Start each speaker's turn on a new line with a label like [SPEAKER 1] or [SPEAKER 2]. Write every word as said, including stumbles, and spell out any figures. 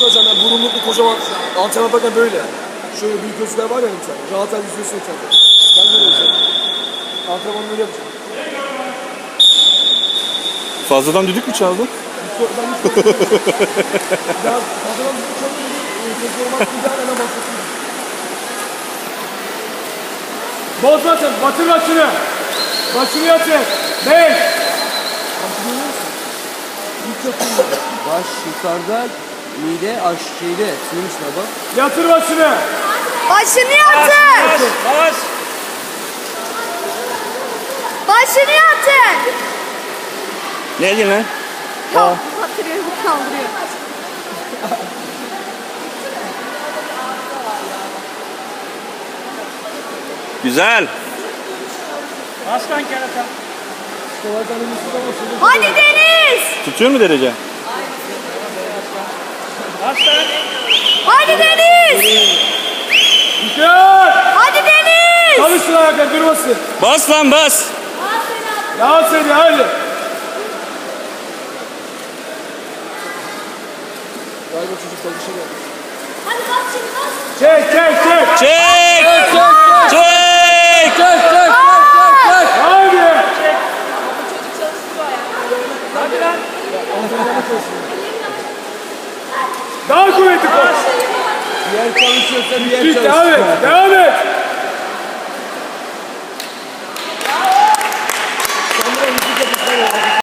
[SPEAKER 1] hocam ya, burunluklu kocaman antrenman yaparken böyle. Şöyle büyük gözler var ya bir tane. Rahat el yüzüyorsun kendine. Ben böyle olacağım. Antrenmanı böyle yapacağım.
[SPEAKER 2] Fazladan düdük mü çaldın?
[SPEAKER 1] Ben hiç korkmuyorum. Ya fazladan düdük çalıyorum. Sesi olmak güzel hemen başlatayım. Bozma sen, batır başını. Başını yatır. Beş.
[SPEAKER 3] Baş yukarıda, mide aş şeyde, suyun içine bak.
[SPEAKER 1] Yatır başını.
[SPEAKER 4] Başını yatır.
[SPEAKER 1] Baş.
[SPEAKER 4] Başını yatır.
[SPEAKER 2] Ne diyorsun lan?
[SPEAKER 4] Yok, batırıyor, bu kaldırıyor.
[SPEAKER 2] Güzel.
[SPEAKER 1] Aslan kerata.
[SPEAKER 4] Hadi Deniz.
[SPEAKER 2] Tutuyor mu derece?
[SPEAKER 1] Aslan.
[SPEAKER 4] Hadi Deniz.
[SPEAKER 1] Güzel.
[SPEAKER 4] Hadi Deniz.
[SPEAKER 1] Çalışsın ayakta durmasın.
[SPEAKER 2] Bas lan bas.
[SPEAKER 1] Daha seni hadi. Galiba çocuk çalışıyor.
[SPEAKER 4] Hadi bas şimdi bas.
[SPEAKER 1] Çek çek çek.
[SPEAKER 2] Çek. Çek.
[SPEAKER 3] Çek, çek, çek, çek, çek.
[SPEAKER 1] Hadi.
[SPEAKER 4] Hadi lan.
[SPEAKER 1] Daha kuvvetli koş.
[SPEAKER 3] Bir yer çalışıyorsa bir yer
[SPEAKER 1] Git
[SPEAKER 3] çalışsın.
[SPEAKER 1] devam et. Devam et.